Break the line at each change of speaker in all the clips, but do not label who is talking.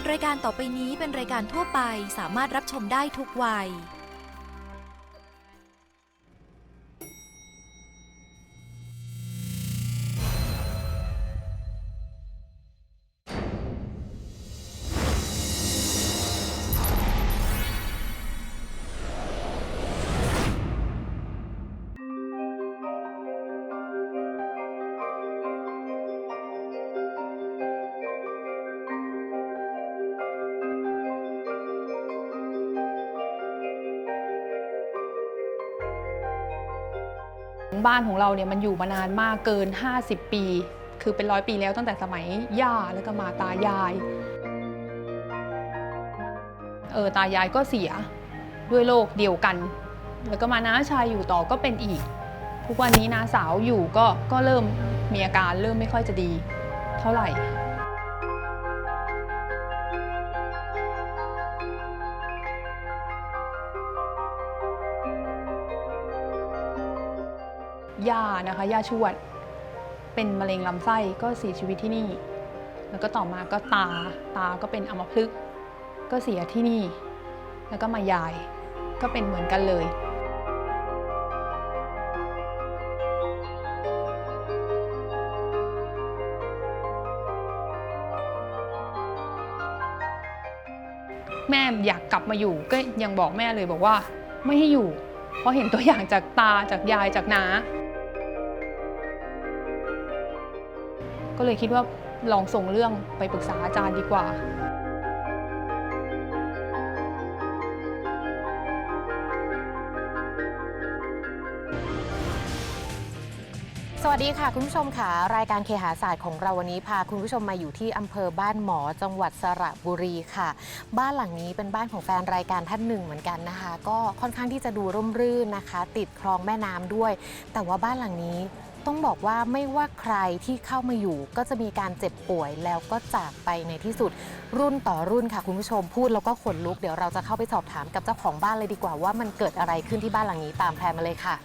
รายการต่อไปนี้เป็นรายการทั่วไปสามารถรับชมได้ทุกวัย
บ้านของเราเนี่ยมันอยู่มานานมากเกิน50 ปีคือเป็น100 ปีแล้วตั้งแต่สมัยย่าแล้วก็มาตายายตายายก็เสียด้วยโรคเดียวกันแล้วก็มาน้าชายอยู่ต่อก็เป็นอีกทุกวันนี้น้าสาวอยู่ก็เริ่มมีอาการเริ่มไม่ค่อยจะดีเท่าไหร่ย่านะคะย่าชวดเป็นมะเร็งลำไส้ก็เสียชีวิตที่นี่แล้วก็ต่อมาก็ตาก็เป็นอัมพฤกษ์ก็เสียที่นี่แล้วก็มายายก็เป็นเหมือนกันเลยแม่อยากกลับมาอยู่ก็ยังบอกแม่เลยบอกว่าไม่ให้อยู่เพราะเห็นตัวอย่างจากตาจากยายจากน้าก็เลยคิดว่าลองส่งเรื่องไปปรึกษาอาจารย์ดีกว่า
สวัสดีค่ะคุณผู้ชมค่ะรายการเคหศาสตร์ของเราวันนี้พาคุณผู้ชมมาอยู่ที่อำเภอบ้านหมอจังหวัดสระบุรีค่ะบ้านหลังนี้เป็นบ้านของแฟนรายการท่านหนึ่งเหมือนกันนะคะก็ค่อนข้างที่จะดูร่มรื่นนะคะติดคลองแม่น้ำด้วยแต่ว่าบ้านหลังนี้ต้องบอกว่าไม่ว่าใครที่เข้ามาอยู่ก็จะมีการเจ็บป่วยแล้วก็จากไปในที่สุดรุ่นต่อรุ่นค่ะคุณผู้ชมพูดแล้วก็ขนลุกเดี๋ยวเราจะเข้าไปสอบถามกับเจ้าของบ้านเลยดีกว่าว่ามันเกิดอะไรขึ้นที่บ้านหลังนี้ตามแพลนมาเลยค่ะ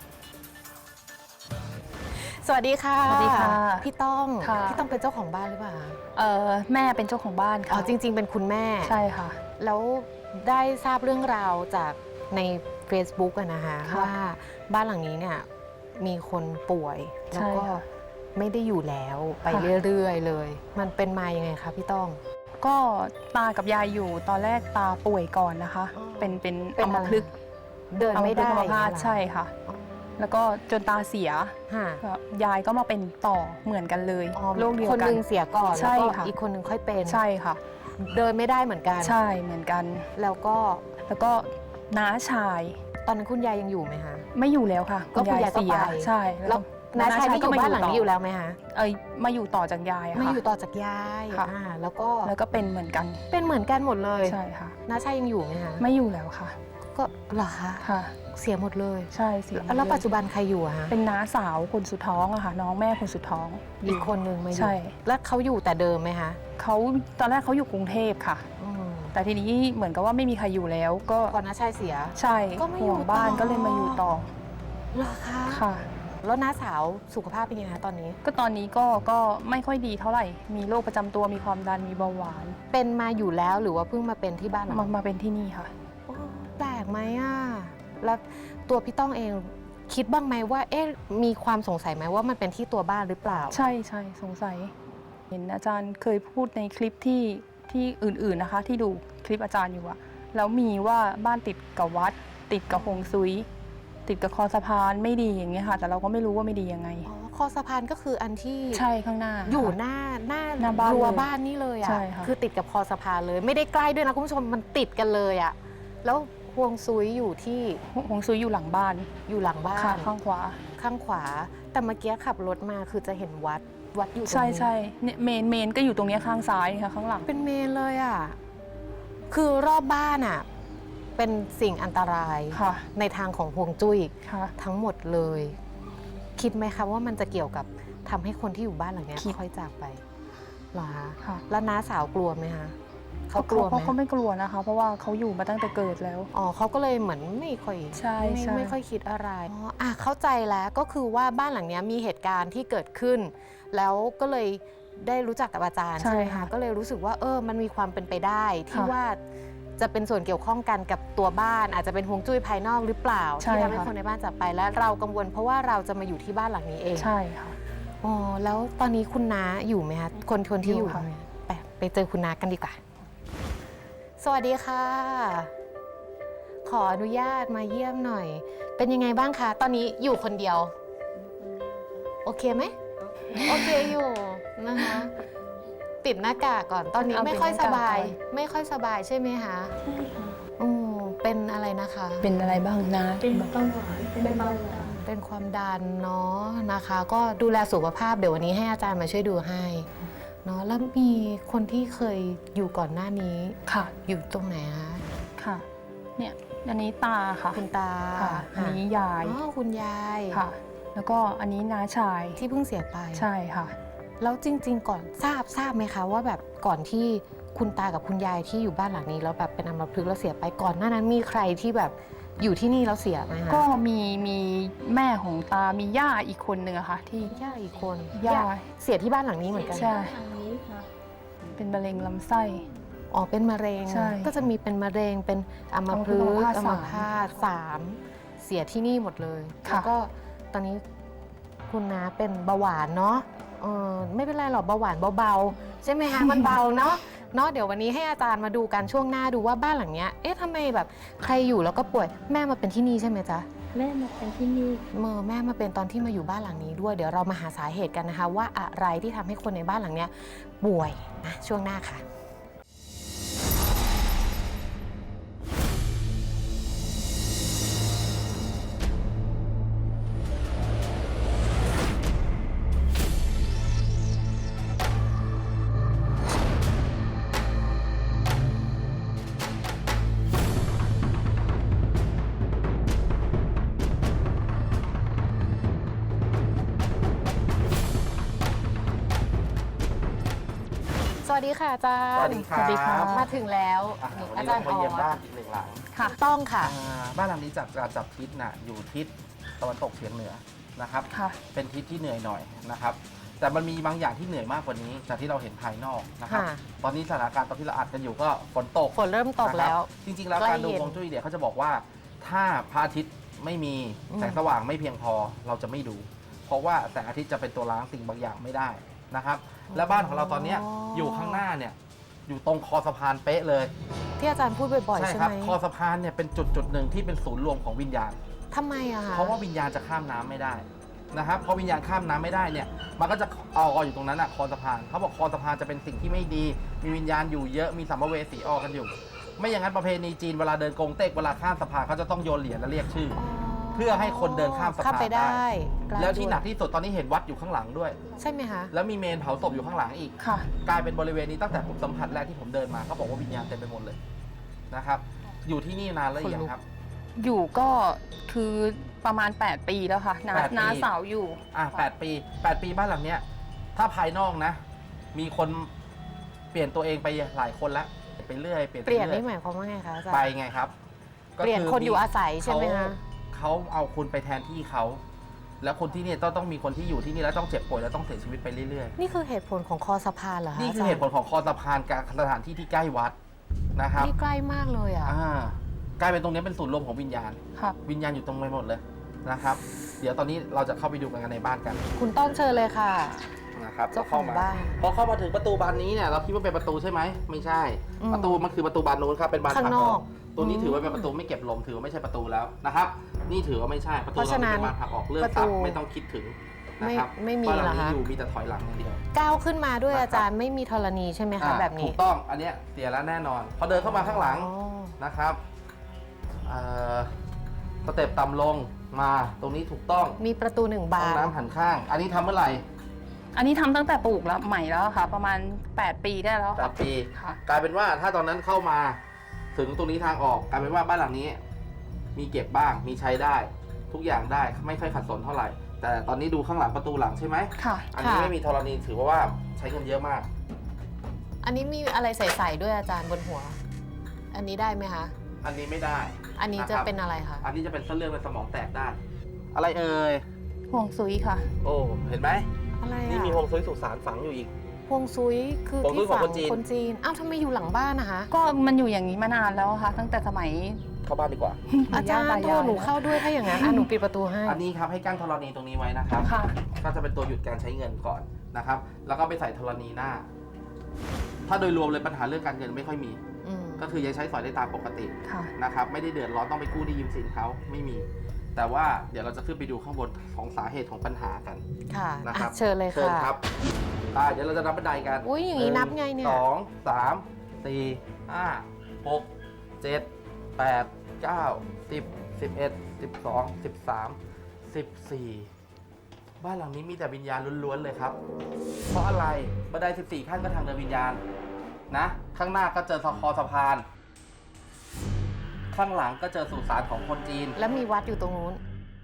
สวัสดีค่ะ
สวัสดีค่ะ
พี่ต้องเป็นเจ้าของบ้านหรือเปล่า
แม่เป็นเจ้าของบ้านค่ะ
อ๋อจริงๆเป็นคุณแม่
ใช่ค่ะ
แล้วได้ทราบเรื่องราวจากใน Facebook อะนะคะว่าบ้านหลังนี้เนี่ยมีคนป่วยแล้วก็ไม่ได้อยู่แล้วไปเรื่อยๆเลยมันเป็นมายังไงคะพี่ต้อง
ก็ตากับยายอยู่ตอนแรกตาป่วยก่อนนะคะเป็นอัมพฤกษ์
เดินไม่ได้
ใช่ค่ะแล้วก็จนตาเสียยายก็มาเป็นต่อเหมือนกันเลยโรคเดียวกัน
คนนึงเสียก่อนแล้วก็อีกคนนึงค่อยเป็น
ใช่ค่ะ
เดินไม่ได้เหมือนกัน
ใช่เหมือนกัน
แล้วก็
น้าชาย
ตอนนั้นคุณยายยังอยู่ไหมคะ
ไม่อยู่แล้วค่ะ
ก็คุณยายเสีย
ใช่
แล้วน้าชายนี่อยู่บ้านหลังนี้อยู่แล้วไหมคะ
มาอยู่ต่อจากยายค่ะ
มาอยู่ต่อจากยายแล้ว
ก็เป็นเหมือนกัน
หมดเลย
ใช่ค่ะ
น้าชายยังอยู่ไหมคะ
ไม่อยู่แล้วค่ะ
ก็เหรอคะ
ค่ะ
เสียหมดเลย
ใช่เสีย
แล้วปัจจุบันใครอยู่อะคะ
เป็นน้าสาวคนสุดท้องอะค่ะน้องแม่คนสุดท้อง
อีกคนนึงมาอยู่
ใช่
แล้วเขาอยู่แต่เดิมไหมคะ
เขาตอนแรกเขาอยู่กรุงเทพค่ะแต่ทีนี้เหมือนกับว่าไม่มีใครอยู่แล้วก็
ก่อนน้าชายเสีย
ใช่ก็ไม่อยู่บ้านก็เลยมาอยู่ต่อ
เหรอคะ
ค่ะ
แล้วน้าสาวสุขภาพเป็นยังไงคะตอนนี้
ก็ตอนนี้ก็ไม่ค่อยดีเท่าไหร่มีโรคประจำตัวมีความดันมีเบาหวาน
เป็นมาอยู่แล้วหรือว่าเพิ่งมาเป็นที่บ้าน
มาเป็นที่นี่ค่ะ
แปลกไหมอ่ะแล้วตัวพี่ต้องเองคิดบ้างไหมว่ามีความสงสัยไหมว่ามันเป็นที่ตัวบ้านหรือเปล่า
ใช่สงสัยเห็นอาจารย์เคยพูดในคลิปที่อื่นๆนะคะที่ดูคลิปอาจารย์อยู่อะแล้วมีว่าบ้านติดกับวัดติดกับฮวงซุยติดกับคอสะพานไม่ดีอย่างเงี้ยค่ะแต่เราก็ไม่รู้ว่าไม่ดียังไง
คอสะพานก็คืออันที่
ใช่ข้างหน้า
อยู่หน้ารั้วบ้านนี่เลยอ่ะคือติดกับคอสะพานเลยไม่ได้ใกล้ด้วยนะคุณผู้ชมมันติดกันเลยอ่ะแล้วฮวงซุยอยู่ที่
ฮวงซุยอยู่หลังบ้าน
ข้างขวาแต่เมื่อกี้ขับรถมาคือจะเห็นวัดอยู่ตรงนี้
ใช่เนี่ยเมนก็อยู่ตรงนี้ข้างซ้ายค่ะข้างหลัง
เป็นเมนเลยอ่ะคือรอบบ้านอ่ะเป็นสิ่งอันตรายในทางของฮวงจุ้ยทั้งหมดเลยคิดไหมคะว่ามันจะเกี่ยวกับทำให้คนที่อยู่บ้านหลังนี้ค่อยจากไปหรอคะแล้วน้าสาวกลัวไหมคะเขากลัวไหม
เขาไม่กลัวนะคะเพราะว่าเขาอยู่มาตั้งแต่เกิดแล้ว
เขาก็เลยเหมือนไม่ค่อยไม่ค่อยคิดอะไรเข้าใจแล้วก็คือว่าบ้านหลังนี้มีเหตุการณ์ที่เกิดขึ้นแล้วก็เลยได้รู้จักกับอาจารย์
ใช่
ใช่ไหม
ค่ะ
คะก็เลยรู้สึกว่ามันมีความเป็นไปได้ที่
ค่ะ
ว่าจะเป็นส่วนเกี่ยวข้องกันกับตัวบ้าน อาจจะเป็นฮวงจุ้ยภายนอกหรือเปล่า
ใช่
ที่ทำให้
ค่ะ
คนในบ้านจากไปและเรากังวลเพราะว่าเราจะมาอยู่ที่บ้านหลังนี้เอง
ใช่ค่ะ
อ๋อแล้วตอนนี้คุณน้าอยู่ไหมคะคนที่อยู่
อยู่ค่ะ
ไปเจอคุณน้ากันดีกว่า สวัสดีค่ะ ขออนุญาตมาเยี่ยมหน่อย เป็นยังไงบ้างคะตอนนี้อยู่คนเดียว โอเคไหม โอเคอยู่นะคะปิดหน้ากากก่อนตอนนี้
เอา
ไม่ค่อย
ปิดห
ส
น้ากาก
บาย
ก่อน
ไม่ค่อยสบายใช่ไหมคะเป็นอะไรนะคะ
เป็นอะไรบ้างนะ
เป็นเบาหวานเป็นเบาหวาน
เป็นความดันเนาะนะคะ ก็ดูแลสุขภาพเดี๋ยววันนี้ให้อาจารย์มาช่วยดูให้เนาะแล้วมีคนที่เคยอยู่ก่อนหน้านี้
ค่ะ
อยู่ตรงไหนคะ
ค่ะ เนี่ยอันนี้ตาค่ะ
คุณตา
ค่ะ อันนี้ยาย
อ๋อคุณยาย
ค่ะ แล้วก็อันนี้น้าชาย
ที่เพิ่งเสียไป
ใช่ค่ะ
แล้วจริง ๆ ก่อนทราบไหมคะว่าแบบก่อนที่คุณตากับคุณยายที่อยู่บ้านหลังนี้แล้วแบบเป็นอัมพฤกษ์แล้วเสียไปก่อนหน้านั้นมีใครที่แบบอยู่ที่นี่แล้วเสียไหมคะ
ก็มีแม่ของตา มีย่าอีกคนหนึ่งอะค่ะ ที่
ย่าอีกคน
ย่า
เสียที่บ้านหลังนี้เหมือนกัน
ใช่
ทางนี้ค่ะ
เป็นมะเร็งลำไส้
อ๋อเป็นมะเร็ง
ใช่
ก็จะมีเป็นมะเร็งเป็นอัมพฤกษ์อัมพาต3เสียที่นี่หมดเลย
ค่ะ
แล้วก็ตอนนี้คุณน้าเป็นเบาหวานเนาะไม่เป็นไรหรอกเบาหวานเบาๆใช่ไหมคะ มันเบาเนาะเดี๋ยววันนี้ให้อาจารย์มาดูกันช่วงหน้าดูว่าบ้านหลังเนี้ยเอ๊ะทำไมแบบใครอยู่แล้วก็ป่วยแม่มาเป็นที่นี่ใช่ไหมจ๊ะ
แม่มาเป็นที่นี่
แม่มาเป็นตอนที่มาอยู่บ้านหลังนี้ด้วยเดี๋ยวเรามาหาสาเหตุกันนะคะ ว่าอะไรที่ทำให้คนในบ้านหลังเนี้ยป่วยนะช่วงหน้าค่ะ สวัสดีค่ะอาจารย์
สวัสดีครับ
สวัสดีค่ะ
มาถึงแล้ว
วัน
อา
นี้
จาร
เรา
ย์
มาเยี่ยม
ออ
บ้าน
ส
อีกหนึ่งหลัง
ค่ะ
ต้องค่ะ
บ้านหลังนี้จากการจับทิศน่ะอยู่ทิศตะวันตกเฉียงเหนือนะครับ
ค่ะ
เป็นทิศที่เหนื่อยหน่อยนะครับ แต่มันมีบางอย่างที่เหนื่อยมากกว่านี้จากที่เราเห็นภายนอกนะครับ
ค่ะ
ตอนนี้สถานการณ์ตอนที่เราอัดกันอยู่ก็ฝนตก
ฝนเริ่มตกแล้ว
นะครับจริงๆแล้ว
ใกล้
การดู
เย็น
ฮวงจุ้ยเนี่ยเขาจะบอกว่าถ้าพระอาทิตย์ไม่มีแสงสว่างไม่เพียงพอเราจะไม่ดู เพราะว่าแสงอาทิตย์จะเป็นตัวล้างสิ่งบางอย่างไม่ได้นะครับ และบ้านของเราตอนเนี้ยอยู่ข้างหน้าเนี่ยอยู่ตรงคอสะพานเป๊ะเลย
ที่อาจารย์พูดบ่อยๆ
ใช่
ใช่
ค
ไห
รับ
ม
คอสะพานเนี่ยเป็นจุดหนึ่งที่เป็นศูนย์รวมของวิญญาณ
ทำไมอะคะ
เพราะว่าวิญญาณจะข้ามน้ำไม่ได้นะครับพอวิญญาณข้ามน้ำไม่ได้เนี่ยมันก็จะเอาอยู่ตรงนั้นอะคอสะพานเขาบอกคอสะพานจะเป็นสิ่งที่ไม่ดี มีวิญญาณอยู่เยอะมีสัมภเวสีออกกันอยู่ ไม่อย่างนั้นประเพณีจีนเวลาเดินกงเต็กเวลาข้ามสะพานเขาจะต้องโยนเหรียญและเรียกชื่อ เพื่อให้คนเดินข้ามสะพาน
ข้ามไปได้
แล้วที่หนักที่สุดตอนนี้เห็นวัดอยู่ข้างหลังด้วย
ใช่ไหมคะ
แล้วมีเมนเผาศพอยู่ข้างหลังอีก
ค่ะ
กลายเป็นบริเวณนี้ตั้งแต่ผมสัมผัสแรกที่ผมเดินมาเขาบอกว่าวิญญาณเต็มไปหมดเลยนะครับอยู่ที่นี่นานแล้วหรือยังครับ
อยู่ก็คือประมาณ 8 ปีแล้วค่ะน้า
8 ปี
น้าสาวอยู่
8 ปี 8 ปีบ้านหลังเนี้ยถ้าภายนอกนะ มีคนเปลี่ยนตัวเองไปหลายคนแล้วไปเรื่อย
เปลี่ยนนี่หมายความว่าไงคะอาจารย์
ไปไงครับก็
เปลี่ยนคนอยู่อาศัยใช่ไหมคะ
เขาเอาคุณไปแทนที่เขา แล้วคนที่เนี่ยต้องมีคนที่อยู่ที่นี่แล้วต้องเจ็บป่วยแล้วต้องเสียชีวิตไปเรื่อย
นี่คือเหตุผลของคอสะพานเหรอ
ๆ
คะ
นี่คือเหตุผลของคอสะพานกับสถานที่ที่ใกล้วัดนะครับ
นี่ใกล้มากเลยอ่ะ
กลายเป็นตรงนี้เป็นศูนย์รวมของวิญญาณ
ค่ะ
วิญญาณอยู่ตรงไปหมดเลยนะครับ เดี๋ยวตอนนี้เราจะเข้าไปดูกันในบ้านกัน
คุณต้นเชิญเลยค่ะ
นะครับ
เจ้าของบ้าน
พอเข้ามาถึงประตูบานนี้เนี่ยเราคิดว่าเป็นประตูใช่ไหมไม่ใช่
อืม
ประตูมันคือประตูบานนู้นครับเป็นบาน
ข้างนอก
ตัวนี้
อืม
ถือว่าเป็นประตูไม่เก็บลมถือว่าไม่ใช่ประตูแล้วนะครับ นี่ถือว่าไม่ใช่ประตู
เพราะฉะนั้น
เป็นบานผลักออกเรื่อง
ประ
ทรั
ตู
พย์ไม่ต้องคิดถึงนะครับ
ไม่มี
บ้านหลัง
เหรอ
นี้
คะ
อยู่มีแต่ถอยหลังอย่างเดียว
ก้าวขึ้นมาด้วย
นะครับ
อาจารย์ไม่มีธรณีใช่ไหมคะแบบ
ถู
นี้
กต้องอันเนี้ยเสียแล้วแน่นอน พอเดินเข้ามาข้างหลัง
อ๋อ
นะครับสเต็ปต่ำลงมาตรงนี้ถูกต้อง
มีประตู1
ห้
บา
อง
น
น้ำหันข้าง อันนี้ทำเมื่อไหร่
อันนี้ทำตั้งแต่ปลูกแล้วใหม่แล้วค่ะ ประมาณ 8 ปีได้แล้ว
แป
ค่ะ
ดปี
ค่ะ
กลายเป็นว่าถ้าตอนนั้นเข้ามาถึงตรงนี้ทางออกกลายเป็นว่าบ้านหลังนี้ มีเก็บบ้างมีใช้ได้ ทุกอย่างได้ไม่ค่อยขัดสนเท่าไหร่ แต่ตอนนี้ดูข้างหลังประตูหลังใช่ไหม
ค่ะ
อันนี้
ค่ะ
ไม่มีธรณีถือว่าใช้เงินเยอะมาก
อันนี้มีอะไรใส่ๆด้วยอาจารย์บนหัว อันนี้ได้ไหมคะ
อันนี้ไม่ได้
อันนี้จะ
นะครับ
เป็นอะไรคะ
อันนี้จะเป็นเส้นเลือดในสมองแตกได้ อะไรเอ่ย
ห่วงซุยค่ะ
โอ้เห็นไหม
อะไร
นี่
อ่ะ
มีฮวงซุยสุสานฝังอยู่อีก
ฮวงซุยคือ
ฮวงซุย
ที่
ของ
ฝั่ง
คนจีน
คนจีนอ้าวทำไมอยู่หลังบ้านนะคะ
ก็มันอยู่อย่างนี้มานานแล้วค่ะ ตั้งแต่สมัย
เข้าบ้านดีกว่า
อาจารย์
ปู่
โท
ย่
รหนูเข้าด้วยถ้าอย่างนั้นหนูปิดประตูให้
อันนี้ครับให้กั้นธรณีตรงนี้ไว้นะครับ
ค่ะ
ก็จะเป็นตัวหยุดการใช้เงินก่อนนะครับ แล้วก็ไปใส่ธรณีหน้า ถ้าโดยรวมเลยปัญหาเรื่องการเงินไม่ค่อยมี
อืม
ก็คือยังใช้สอยได้ตามปกติ
ค่ะ
นะครับ ไม่ได้เดือดร้อนต้องไปกู้หนี้ยืมสินเขาไม่มี แต่ว่าเดี๋ยวเราจะขึ้นไปดูข้างบนของสาเหตุของปัญหากัน
ค่ะ
นะครับ
อ่ะเชิญเลย
เชิญ
ค่ะ
ครับเดี๋ยวเราจะนับบันไดกัน
อุ๊ยอย่างนี้นับไงเนี่ย
สองสามสี่ห้าหกเจ็ดแปดเก้า10 11 12 13 14บ้านหลังนี้มีแต่วิญญาณล้วนๆเลยครับ เพราะอะไรบันได14 ขั้นก็ทางเดินวิญญาณนะข้างหน้าก็เจอสะพาน ข้างหลังก็เจอสุสานของคนจีน
แล้วมีวัดอยู่ตรงนู้น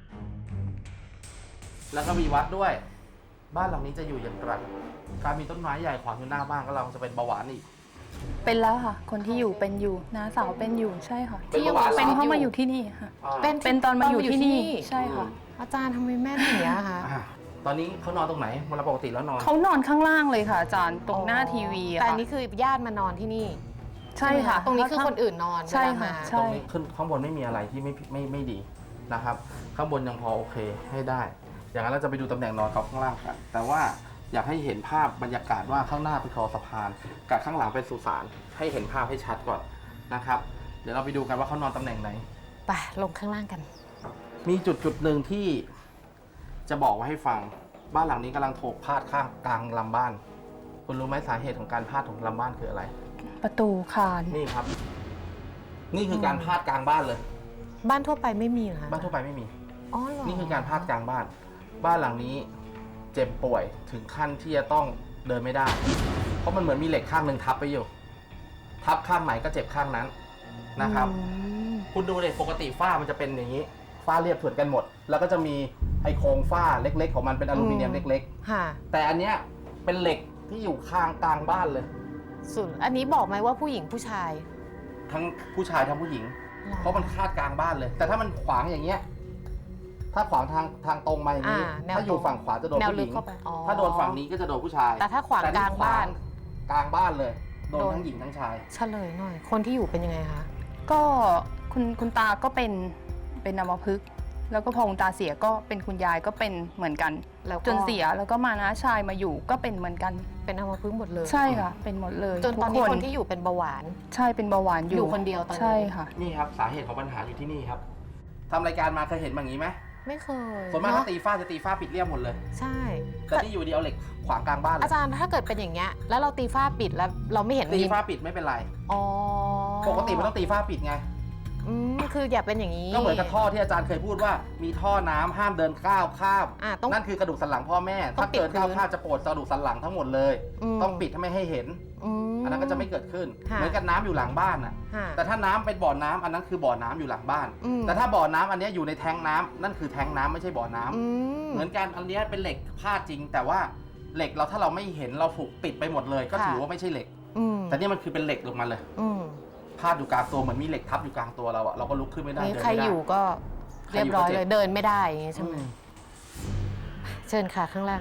แล้วก็มีวัดด้วย บ้านหลังนี้จะอยู่อย่างไรการมีต้นไม้ใหญ่ขวางอยู่หน้าบ้านก็เราจะเป็นเบาหวานอีก
เป็นแล้วค่ะ คนที่อยู่เป็นอยู่น้าสาวเป็นอยู่ใช่ค่ะ
เป็นเบาหวาน
เป็นเพราะ
อยู่
มาอยู่ที่นี่ค่ะ
เป็น
ตอนมาอยู่ที่นี่ใช่ค่ะ
อาจารย์ทำไมแม่นอย่างเงี้ยคะ
ตอนนี้เขานอนตรงไหนเวลาปกติแล้วนอน
เขานอนข้างล่างเลยค่ะอาจารย์ตรงหน้าทีวีอะ
แต่อั
ค่ะ
นนี้คือญาติมานอนที่นี่
ใช่ค่ะ
ตรงนี้คือคนอื่นนอน
ใช่
เวลา
ค่ะ
มา
ใช่
ตรงนี้ขึ้นข้างบนไม่มีอะไรที่ไม่ดีนะครับ ข้างบนยังพอโอเคให้ได้ อย่างนั้นเราจะไปดูตำแหน่งนอนเขาข้างล่างกัน แต่ว่าอยากให้เห็นภาพบรรยากาศว่าข้างหน้าเป็นคอสะพานกับข้างหลังเป็นสุสานให้เห็นภาพให้ชัดก่อนนะครับ เดี๋ยวเราไปดูกันว่าเขานอนตำแหน่งไหน
ไปลงข้างล่างกัน
มีจุดหนึ่งที่จะบอกไว้ให้ฟังบ้านหลังนี้กำลังถูกพาดข้างกลางลำบ้าน คุณรู้ไหมสาเหตุของการพาดของลำบ้านคืออะไร
ประตูคาน
นี่ครับ นี่คือการพาดกลางบ้านเลย
บ้านทั่วไปไม่มีเหรอคะ
บ้านทั่วไปไม่มี
อ๋อเหรอ
นี่คือการพาดกลางบ้าน บ้านหลังนี้เจ็บป่วยถึงขั้นที่จะต้องเดินไม่ได้ เพราะมันเหมือนมีเหล็กข้างหนึ่งทับไปอยู่ ทับข้างไหนก็เจ็บข้างนั้นนะครับ
อืม
คุณดูเลยปกติฝ้ามันจะเป็นอย่างนี้ ฝ้าเรียบเถื่อนกันหมด แล้วก็จะมีไอโครงฝ้าเล็กๆของมันเป็นอลูมิเนียมเล็ก
ค่ะ
ๆ แต่อันเนี้ยเป็นเหล็กที่อยู่ข้างกลางบ้านเลย
ส่วนอันนี้บอกไหมว่าผู้หญิงผู้ชาย
ทั้งผู้ชายทั้งผู้หญิง
หรอ
เพราะมันคาดกลางบ้านเลย แต่ถ้ามันขวางอย่างเงี้ย ถ้าขวางทางตรงมาอย่างนี้
แนว
ถ้าอยู่
ตรง
ฝั่งขวาจะโดน
แนว
ผู้ห
ลึ
ญิ
ก
ง
เข้าไปอ๋อ
ถ้าโดนฝั่งนี้ก็จะโดนผู้ชาย
แต่ถ้าขวาง
แต่
ก
นี่
ลางบ้าน
กลางบ้านเลย โดน
โดน
ทั้งหญิงทั้งชาย
เฉลยหน่อย คนที่อยู่เป็นยังไงคะ
ก็คุณตาก็เป็นอัมพฤกษ์แล้วก็พอคุณตาเสียก็เป็นคุณยายก็เป็นเหมือนกัน
แล้วก็
จนเสียแล้วก็มาน้าชายมาอยู่ก็เป็นเหมือนกัน
เป็นอัมพฤกษ์หมดเลย
ใช่ค่ะ เป็นหมดเลย
จนตอนนี้
ทุก
คนที่อยู่เป็นเบาหวาน
ใช่เป็นเบาหวานอยู่
อยู่คนเดียวตอนนี้
ใช่ค่ะ
นี่ครับสาเหตุของปัญหาอยู่ที่นี่ครับทำรายการมาเคยเห็นแบบนี้ไหม
ไม่เคย
ส่วนมาก
เน
ถ้า
อะ
ตีฝ้าจะตีฝ้าปิดเรียบหมดเลย
ใช่
แต่นี่อยู่ดีเอาเหล็กขวางกลางบ้านเล
อายจารย์ถ้าเกิดเป็นอย่างเงี้ยแล้วเราตีฝ้าปิดแล้วเราไม่เห็น
ตี
มี
ฝ้าปิดไม่เป็นไร
อ๋อ
ปกติมันต้องตีฝ้าปิดไง
คืออย่าเป็นอย่างนี้
ก็เหมือนกับท่อที่อาจารย์เคยพูดว่ามีท่อน้ำห้ามเดินก้าวข้าม
ต้อง
นั่นคือกระดูกสันหลังพ่อแม่
ต้อ
ถ้าง
ปิด
เกิดก้าว
พื้น
ข้ามจะปวดกระดูกสันหลังทั้งหมดเลย ต้องปิดให้ไม่ให้เห็น อันนั้นก็จะไม่เกิดขึ้น
ค่ะ
เหมือนกับน้ำอยู่หลังบ้านน่ะ
ค่ะ
แต่ถ้าน้ำเป็นบ่อน้ำอันนั้นคือบ่อน้ำอยู่หลังบ้าน แต่ถ้าบ่อน้ำอันเนี้ยอยู่ในแทงน้ำนั่นคือแทงน้ำไม่ใช่บ่อน้ำเหมือนกันอันเนี้ยเป็นเหล็กพาดจริง แต่ว่าเหล็กเราถ้าเราไม่เห็นเราถูกปิดไปหมดเลย ก็ถือว่าไม่ใช่เหล็ก แต่นี่มันคือเป็นเหล็กลงมาเลยพาดอยู่กลางตัวเหมือนมีเหล็กทับอยู่กลางตัวเราอะเราก็ลุกขึ้นไม่ได้
นี่
เดิน
ใคร
ไม่ได้
อยู่ก็เรียบร้อย
ใครอยู่ก็เจ็บ
เลยเดินไม่ได้อย่างงี้ใช่ไหม
อืม
เชิญค่ะข้างล่าง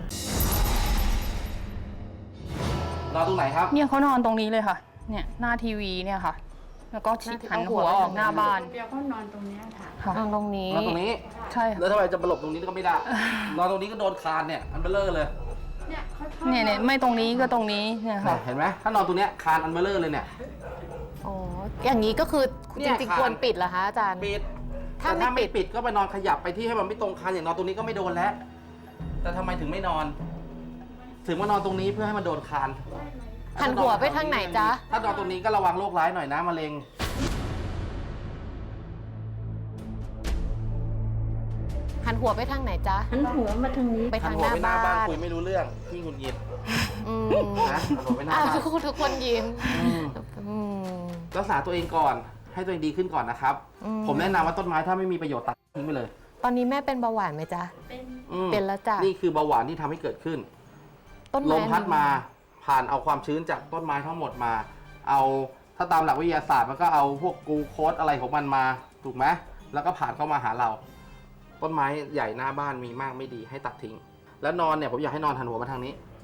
นอนตรงไหนครับ
เนี่ยเขานอนตรงนี้เลยค่ะ เนี่ยหน้าทีวีเนี่ยค่ะ แล้วก็ชิดหันหัวออกหน้าบ้าน
เดี๋ยวก็นอนตรงเนี้ยค่ะ
ค่ะ
นอนตรงนี้
นอนตรงนี้
ใช่ค่ะ
แล้วทำไมจะมาหลบตรงนี้ก็ไม่ได้ นอนตรงนี้ก็โดนคานเนี่ยอันเบลเลอร์เลย
เนี่ยเขาชอบ
เนี่ยไม่ตรงนี้ก็ตรงนี้เนี่ยค่ะ
เห็นไหมถ้านอนตรงเนี้ยคานอันเบลเลอร์เลยเนี่ย
อ๋อ อย่างนี้ก็คือ
เนี่
จ
ย
ริง
ค่ะ
ๆควรปิดเหรอคะอาจารย์
ปิด
ถ้า
แต่ถ้า
ไม่
ไม่
ปิ
ปิ
ด
ดก็ไปนอนขยับไปที่ให้มันไม่ตรงคานอย่างนอนตรงนี้ก็ไม่โดนแล้ว แต่ทำไมถึงไม่นอน ถึงมานอนตรงนี้เพื่อให้มันโดนคาน
หันหัวไปทางไหนจ๊ะ
ถ้านอนตรงนี้ก็ระวังโรคร้ายหน่อยนะมะเร็ง
หันหัวไปทางไหนจ๊ะ
หันหัวมาทางนี้
ไป
หั
ทาน ง
หั
ห
ว
น้า
ไปหน้า
บ้า
บ้าน
น
คุยไม่รู้เรื่องพี่หงุดหงิด
อืม
นะหันหัวไปหน้า
อ่ะ
บ้าน
ทุกคนยิ้ม
อืม
อืม
รักษาตัวเองก่อนให้ตัวเองดีขึ้นก่อนนะครับ
อืม
ผมแนะนำว่าต้นไม้ถ้าไม่มีประโยชน์ตัดทิ้งไปเลย
ตอนนี้แม่เป็นเบาหวานไหมจ๊ะ
เป็น
อืม
เป็นแล้วจ้ะ
นี่คือเบาหวานที่ทำให้เกิดขึ้น
ต้น
ล
ไม้
มพัดมาผ่านเอาความชื้นจากต้นไม้ทั้งหมดมา เอาถ้าตามหลักวิทยาศาสตร์มันก็เอาพวกกลูโคสอะไรของมันมาถูกไหมแล้วก็ผ่านเข้ามาหาเรา ต้นไม้ใหญ่หน้าบ้านมีมากไม่ดีให้ตัดทิ้ง แล้วนอนเนี่ยผมอยากให้นอนหันหัวมาทางนี้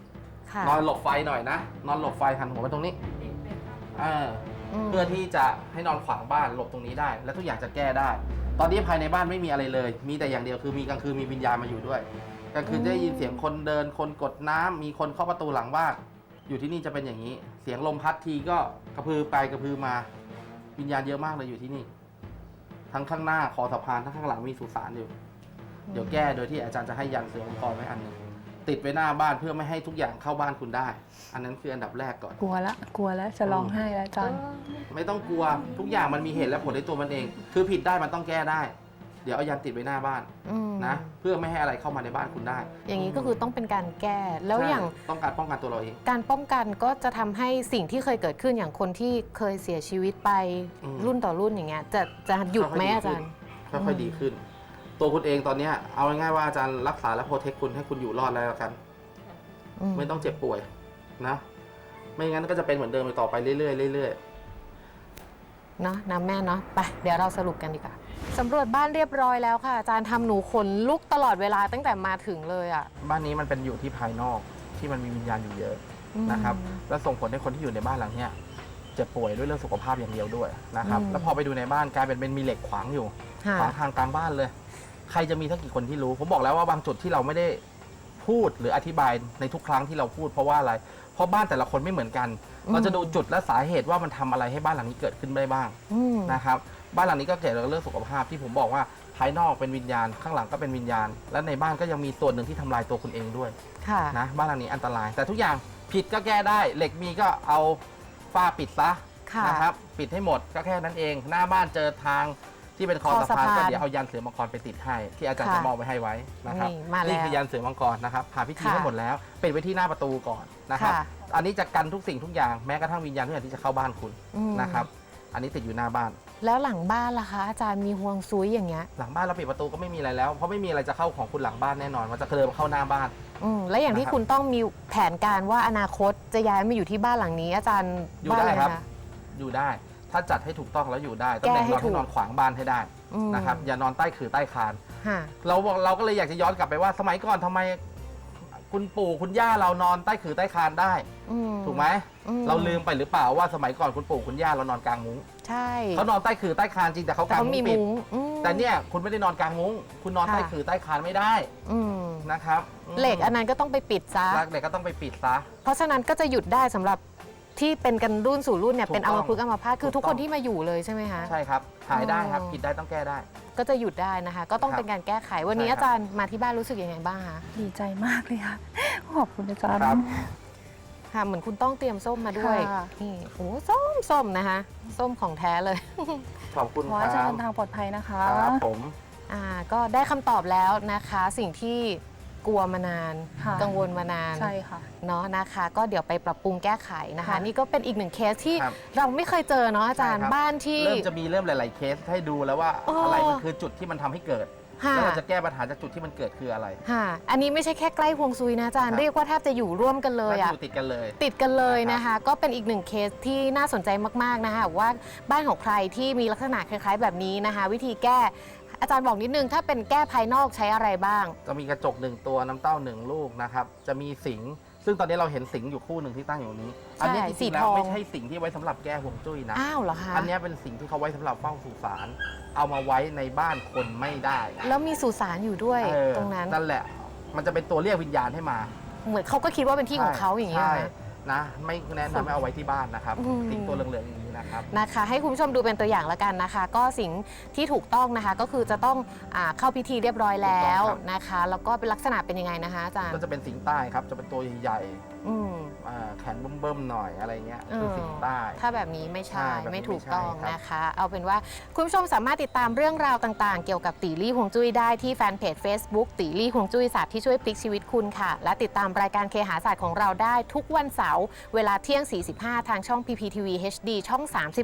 ค่ะ
นอนหลบไฟหน่อยนะ นอนหลบไฟหันหัวมาตรงนี้เพื่อที่จะให้นอนขวางบ้านหลบตรงนี้ได้ และทุกอย่างจะแก้ได้ ตอนนี้ภายในบ้านไม่มีอะไรเลย มีแต่อย่างเดียวคือมีกลางคืนมีวิญญาณมาอยู่ด้วยกลางคืนจะได้ยินเสียงคนเดินคนกดน้ำมีคนเคาะประตูหลังบ้านอยู่ที่นี่จะเป็นอย่างนี้ เสียงลมพัดทีก็กระพือไปกระพือมาวิญญาณเยอะมากเลยอยู่ที่นี่ ทั้งข้างหน้าคอสะพานทั้งข้างหลังมีสุสานอยู่เดี๋ยวแก้โดยที่อาจารย์จะให้ยันเสือมังกรไว้อันหนึงติดไว้หน้าบ้านเพื่อไม่ให้ทุกอย่างเข้าบ้านคุณได้ อันนั้นคืออันดับแรกก่อน
กลัวแล้วจะร้องไห้แล้วอาจารย์
ไม่ต้องกลัวทุกอย่างมันมีเหตุและผลในตัวมันเอง คือผิดได้มันต้องแก้ได้ เดี๋ยวเอายันติดไว้หน้าบ้าน
อืม
นะเพื่อไม่ให้อะไรเข้ามาในบ้านคุณได้
อย่างนี้ก็คือต้องเป็นการแก้แล้วอย่าง
ใช่ต้องการป้องกันตัวเราเอง
การป้องกันก็จะทำให้สิ่งที่เคยเกิดขึ้นอย่างคนที่เคยเสียชีวิตไป
อืม
รุ่นต่อรุ่นอย่างเงี้ยจะหยุดไหมอาจารย์
ค่อยๆดีขึ้น ตัวคุณเองตอนเนี้ยเอาง่ายๆว่าอาจารย์รักษาและโปรเทคคุณให้คุณอยู่รอดแล้วกัน ไม่ต้องเจ็บป่วยนะ ไม่งั้นก็จะเป็นเหมือนเดิมไปต่อไปเรื่อยๆเรื่อย
เนาะนะแม่เนาะไปเดี๋ยวเราสรุปกันดีกว่าสำรวจบ้านเรียบร้อยแล้วค่ะอาจารย์ทำหนูขนลุกตลอดเวลาตั้งแต่มาถึงเลยอ่ะ
ๆบ้านนี้มันเป็นอยู่ที่ภายนอกที่มันมีวิญญาณอยู่เยอะนะครับ และส่งผลให้คนที่อยู่ในบ้านหลังเนี้ยเจ็บป่วยด้วยเรื่องสุขภาพอย่างเดียวด้วยนะครับ แล้วพอไปดูในบ้านกลายเป็นมีเหล็กขวางอยู่
ค่ะ
ขวางทางกลางบ้านเลย ใครจะมีสักกี่คนที่รู้ ผมบอกแล้วว่าบางจุดที่เราไม่ได้พูดหรืออธิบายในทุกครั้งที่เราพูดเพราะว่าอะไร เพราะบ้านแต่ละคนไม่เหมือนกัน เราจะดูจุดและสาเหตุว่ามันทำอะไรให้บ้านหลังนี้เกิดขึ้นได้บ้าง
อืม
นะครับบ้านหลังนี้ก็เกี่ยวกับเรื่องสุขภาพที่ผมบอกว่าภายนอกเป็นวิญญาณข้างหลังก็เป็นวิญญาณ และในบ้านก็ยังมีส่วนหนึ่งที่ทำลายตัวคุณเองด้วย
ค่ะ
นะบ้านหลังนี้อันตราย แต่ทุกอย่างผิดก็แก้ได้ เหล็กมีก็เอาฝ้าปิดซะ
ค่ะ
นะครับปิดให้หมดก็แค่นั้นเอง หน้าบ้านเจอทางที่เป็นคอสะพานก็เดี๋ยวเอายันเสือมังกรไปติดให้ที่อาจารย์จะมอบไว้ให้ไว้นะครับ
นี่มาแล้ว
นี่คือยันเสือมังกรนะครับผ่านพิธี
ค่ะ
ให้หมดแล้วปิดไว้ที่หน้าประตูก่อนนะครับ
ค่ะ
อันนี้จะกันทุกสิ่งทุกอย่างแม้กระทั่งวิญญาณทุกอย่างที่จะเข้าบ้านคุณ
อืม
นะครับอันนี้ติดอยู่หน้าบ้าน
แล้วหลังบ้านล่ะคะ อาจารย์มีห่วงซุยอย่างเงี้ย
หลังบ้านเราปิดประตูก็ไม่มีอะไรแล้วเพราะไม่มีอะไรจะเข้าของคุณหลังบ้านแน่นอนมันจะเดินเข้าหน้าบ้าน
และอย่างที่
นะครับ
คุณต้องมีแผนการว่าอนาคตจะย้ายมาอยู่ที่บ้านหลังนี้ อาจารย์
อยู่
ว่า
ได้
ไง
ครับ
คะ
อยู่ได้ ถ้าจัดให้ถูกต้องแล้วอยู่ได้ตำแหน่ง
แก้ให้
นอน
ถู
ให้
ก
นอนขวางบ้านให้ได้
อืม
นะครับอย่านอนใต้ขื่อใต้คาน
ค่ะ
เราก็เลยอยากจะย้อนกลับไปว่าสมัยก่อนทำไมคุณปู่คุณย่าเรานอนใต้ขื่อใต้คานได้
อืม
ถูกไหม
อืม
เราลืมไปหรือเปล่าว่าสมัยก่อนคุณปู่คุณย่าเรานอนกลางมุ้ง
ใช่
เขานอนใต้ขื่อใต้คานจริงแต่เขา
แต่
กาง
เขา
มุ้
มี
งปิด
มุ้งอืม
แต่เนี่ยคุณไม่ได้นอนกลางมุ้งคุณนอน
ค่ะ
ใต้ขื่อใต้คานไม่ได้
อืม
นะครับ
เหล็กอันนั้นก็ต้องไปปิดซะ
เหล็กก็ต้องไปปิดซะ
เพราะฉะนั้นก็จะหยุดได้สำหรับที่เป็นกันรุ่นสู่รุ่นเนี่ย
ถูก
เป็นอัมพฤกษ์อัมพาตคือ
ถู
ทุ
ก
ก
ต้
ค
อง
นที่มาอยู่เลยใช่ไหมคะ
ใช่ครับหายได้ครับ
อ๋อ
ผิดได้ต้องแก้ได้
ก็จะหยุดได้นะคะ ก็ต้อง
ครับ
เป็นการแก้ไขวันนี้
ใช่ครับ
อาจารย์มาที่บ้านรู้สึกยังไงบ้างคะ
ดีใจมากเลยค่ะ ขอบคุณอาจารย์
ครับ
ค่ะเหมือนคุณต้องเตรียมส้มมาด้วย
ค่ะ
นี่โอ้ส้มนะคะ ส้มของแท้เลย
ขอบคุณ
ขอ
ค
ให้อาจาร
รั
ย์
บ
เดินทางปลอดภัยนะคะ
ครับผม
ก็ได้คำตอบแล้วนะคะ สิ่งที่กลัวมานาน
ค่ะ
กังวลมานาน
ใช่ค่ะ
เนาะนะคะ ก็เดี๋ยวไปปรับปรุงแก้ไขนะคะ
ค่ะ
นี่ก็เป็นอีกหนึ่งเคสที่
ครับ
เราไม่เคยเจอเนาะอาจารย์
ใช่ครับ
บ้านที่
เริ่มจะมีเริ่มหลาย ๆ เคสให้ดูแล้วว่า
อ๋ออ
อะไรมันคือจุดที่มันทำให้เกิด
ค่ะ
แล้วเราจะแก้ปัญหาจากจุดที่มันเกิดคืออะไร
ค่ะ อันนี้ไม่ใช่แค่ใกล้ฮวงซุยนะอาจารย์
ครับ
เรียกว่าแทบจะอยู่ร่วมกันเลย
มัน
อะ
อยู่ติดกันเลย
ติดกันเลย
นะ
นะ
ครั
คะ
บ
ก็เป็นอีกหนึ่งเคสที่น่าสนใจมากๆนะคะว่าบ้านของใครที่มีลักษณะคล้ายๆ แบบนี้นะคะ วิธีแก้อาจารย์บอกนิดนึงถ้าเป็นแก้ภายนอกใช้อะไรบ้าง
จะมีกระจก1ตัวน้ำเต้า1ลูกนะครับจะมีสิงห์ซึ่งตอนนี้เราเห็นสิงห์อยู่คู่หนึ่งที่ตั้งอยู่นี้ อันนี้จ
สี
ริงๆแล้
ท
ว
อง
ไม่ใช่สิงห์ที่ไว้สำหรับแก้ห่วงจุ้ยนะ
อ้าวเหรอคะ
อันนี้เป็นสิ่งที่เขาไว้สำหรับเฝ้าสุสานเอามาไว้ในบ้านคนไม่ได้
แล้วมีสุสานอยู่ด้วย
เออ
ตรงนั้น
นั่นแหละ มันจะเป็นตัวเรียกวิญญาณให้มา
เหมือนเขาก็คิดว่าเป็นที่ของเขาอย่างนี้ย
ใช่
นะ
นะไม่แนะนำให้เอาไว้ที่บ้านนะครับ
อืม
สิงตัวเหลืองๆอย่างนี้นะครับ
นะคะให้คุณผู้ชมดูเป็นตัวอย่างแล้วกันนะคะ ก็สิ่งที่ถูกต้องนะคะก็คือจะต้องเข้าพิธีเรียบร้อยแล้ว
ถูกต้องครับ
นะคะ แล้วก็เป็นลักษณะเป็นยังไงนะคะอาจารย์
ก็จะเป็นสิงใต้ครับจะเป็นตัวใหญ่
อืม
ๆแขนเบิ่มๆหน่อยอะไรเงี้ยคือสิงใต้
ถ้าแบบนี้ไม่ใช่
ใช่แบบนี้
ไม่ถูกต้อง
ไม่ใช่ครับ
นะคะ เอาเป็นว่าคุณผู้ชมสามารถติดตามเรื่องราวต่างๆ เกี่ยวกับตีลี่ฮวงจุ้ยได้ที่แฟนเพจ Facebook ตีลี่ฮวงจุ้ยศาสตร์ที่ช่วยพลิกชีวิตคุณค่ะ และติดตามรายการเคหาศาสตร์ของเราได้ทุกวันเสาร์เวลาเที่ยง 45 ทางช่อง PPTV HD ช่อง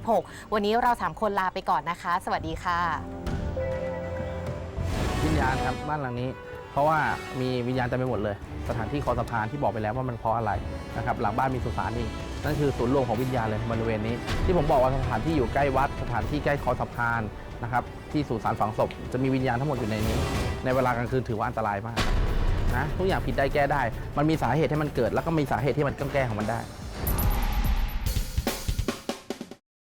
36 วันนี้เรา3คนลาไปก่อนนะคะ สวัสดีค่ะ
วิญญาณครับบ้านหลังนี้ เพราะว่ามีวิญญาณเต็มไปหมดเลย สถานที่คอสะพานที่บอกไปแล้วว่ามันเพราะอะไรนะครับหลังบ้านมีสุสานอีกนั่นคือศูนย์รวมของวิญญาณเลยบริเวณนี้ ที่ผมบอกว่าสถานที่อยู่ใกล้วัดสถานที่ใกล้คอสะพานนะครับที่สุสานฝังศพจะมีวิญญาณทั้งหมดอยู่ในนี้ ในเวลากลางคืนถือว่าอันตรายมากนะทุกอย่างผิดได้แก้ได้ มันมีสาเหตุให้มันเกิด แล้วก็มีสาเหตุที่มันต้องแก้ของมันได้